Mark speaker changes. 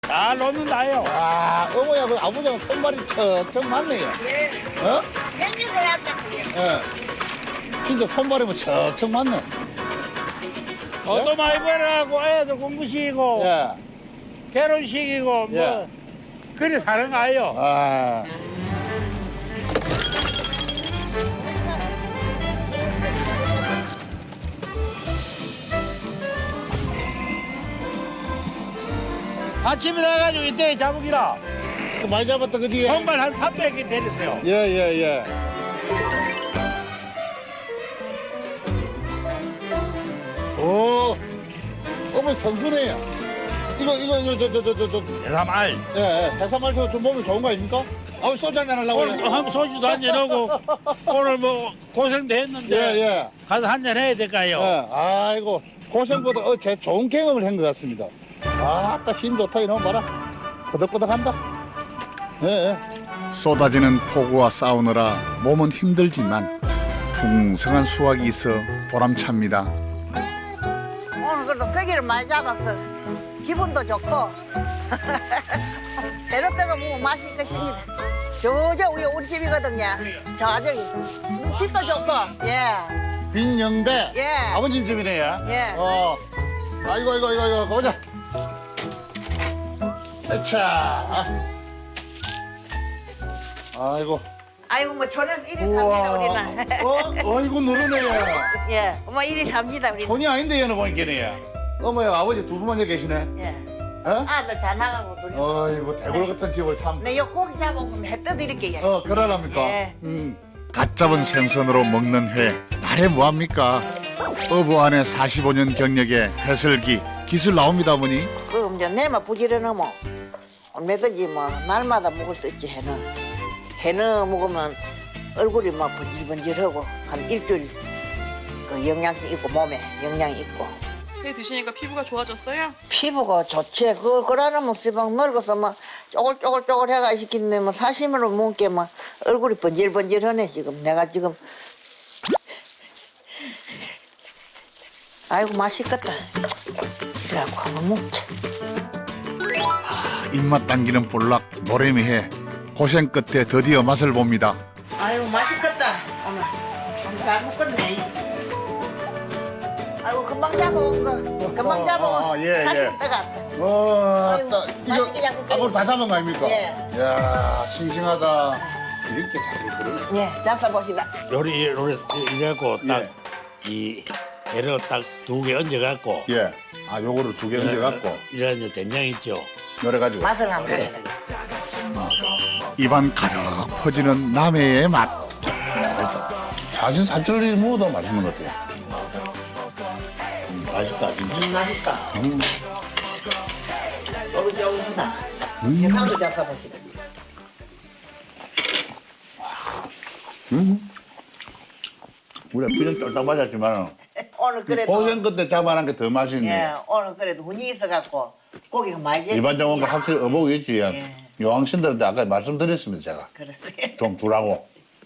Speaker 1: 잘 놓는다요.
Speaker 2: 아, 어머야, 그 아버지하고 손발이 척척 맞네요.
Speaker 3: 예.
Speaker 2: 어?
Speaker 3: 햇빛을 한다.
Speaker 2: 예. 진짜 손발이 뭐 척척 맞네.
Speaker 1: 돈도 많이 벌어가고 애들 공부시키고
Speaker 2: 예.
Speaker 1: 결혼시키고 뭐
Speaker 2: 예.
Speaker 1: 그래 사는 거예요.
Speaker 2: 아.
Speaker 1: 아침에 나가지고 이때 잡으기라.
Speaker 2: 그 많이 잡았다, 그지?
Speaker 1: 정말 한 300개 내렸어요.
Speaker 2: 예, 예, 예. 오, 어머니 선수네요. 이거,
Speaker 1: 대삼알.
Speaker 2: 예, 예. 대사말 좀 몸에 좋은 거 아닙니까? 아우, 소주 한잔 하려고.
Speaker 1: 오늘 뭐 한번 소주도 한잔 하고 오늘 뭐 고생도 했는데
Speaker 2: 예, 예.
Speaker 1: 가서 한잔 해야 될까요?
Speaker 2: 예, 아이고, 고생보다 제 좋은 경험을 한 것 같습니다. 아, 아까 힘 좋다, 이놈 봐라. 끄덕끄덕한다. 예, 예.
Speaker 4: 쏟아지는 폭우와 싸우느라 몸은 힘들지만 풍성한 수확이 있어 보람찹니다.
Speaker 3: 오늘 그래도 고기를 많이 잡았어. 기분도 좋고. 배로다가 보면 맛있을 것입니다. 저 위에 우리 집이거든요. 저기. 우리 집도 좋고. 예.
Speaker 2: 빈영배.
Speaker 3: 예.
Speaker 2: 아버님 집이네요.
Speaker 3: 예.
Speaker 2: 아이고, 보자. 자. 아이고.
Speaker 3: 아이고 뭐 저는 이리 삽니다 우리는.
Speaker 2: 어이구, 누르네요.
Speaker 3: 예. 뭐 이리 삽니다 우리는.
Speaker 2: 손이 아닌데, 얘는 보니까네요. 어머야, 아버지 두 분만 여기 계시네.
Speaker 3: 예.
Speaker 2: 어?
Speaker 3: 아들 다 나가고 둘이.
Speaker 2: 어이구, 대골 같은 집을 참.
Speaker 3: 네, 요 고기 잡아보면 해 떠드릴게요.
Speaker 2: 그러랍니까?
Speaker 3: 예.
Speaker 4: 갓 잡은 생선으로 먹는 회, 말해 뭐합니까? 어부 안에 45년 경력의 해설기, 기술 나옵니다, 어머니.
Speaker 3: 그럼 이제 내만 부지런하면 얼마든지 뭐 날마다 먹을 수 있지 해는. 해는 먹으면 얼굴이 막 번질번질하고 한 일주일 그 영양이 있고 몸에 영양이 있고.
Speaker 5: 회 드시니까 피부가 좋아졌어요?
Speaker 3: 피부가 좋지. 그러나 먹지만 늙어서 막 쪼글쪼글 해가 시킨데 뭐 사심으로 먹게 막 얼굴이 번질번질하네 지금. 내가 지금 아이고 맛있겠다. 그래갖고 한번 먹자.
Speaker 4: 입맛 당기는 볼락 모래미회, 고생 끝에 드디어 맛을 봅니다.
Speaker 3: 아이고 맛있겠다 오늘. 잘 먹겠네. 아이고 금방 잡아온 거. 금방 잡아온.
Speaker 2: 예,
Speaker 3: 다시
Speaker 2: 예.
Speaker 3: 떠갔다.
Speaker 2: 아따,
Speaker 3: 맛있게
Speaker 2: 이거
Speaker 3: 잡고
Speaker 2: 아버지 다 잡은 거 아닙니까?
Speaker 3: 예.
Speaker 2: 이야, 싱싱하다. 이렇게 잘 그러네.
Speaker 3: 예, 잡숴보시다.
Speaker 1: 요리 이래갖고
Speaker 2: 예.
Speaker 1: 딱 이 애를 딱 2개 얹어갖고
Speaker 2: 예. 아, 요거를 2개 얹어갖고
Speaker 1: 이런 된장 있죠.
Speaker 2: 열어가지고.
Speaker 3: 맛을 한번 보시다.
Speaker 4: 입안 가득 퍼지는 남해의 맛.
Speaker 2: 사실 살찔리 무도 맛있는 것 같아요.
Speaker 1: 맛있다 진짜.
Speaker 3: 맛있다. 오글오글하다. 해삼도 잡숴보시다.
Speaker 2: 우리가 피는 쫄딱 맞았지만
Speaker 3: 오늘 그래도
Speaker 2: 고생 끝에 잡아낸 게 더 맛있네.
Speaker 3: 예, 오늘 그래도 운이 있어갖고 고기가 많이
Speaker 2: 일반적인 거 확실히 어복이겠지.
Speaker 3: 예.
Speaker 2: 요왕신들한테 아까 말씀드렸습니다, 제가.
Speaker 3: 그랬어요.
Speaker 2: 좀 두라고.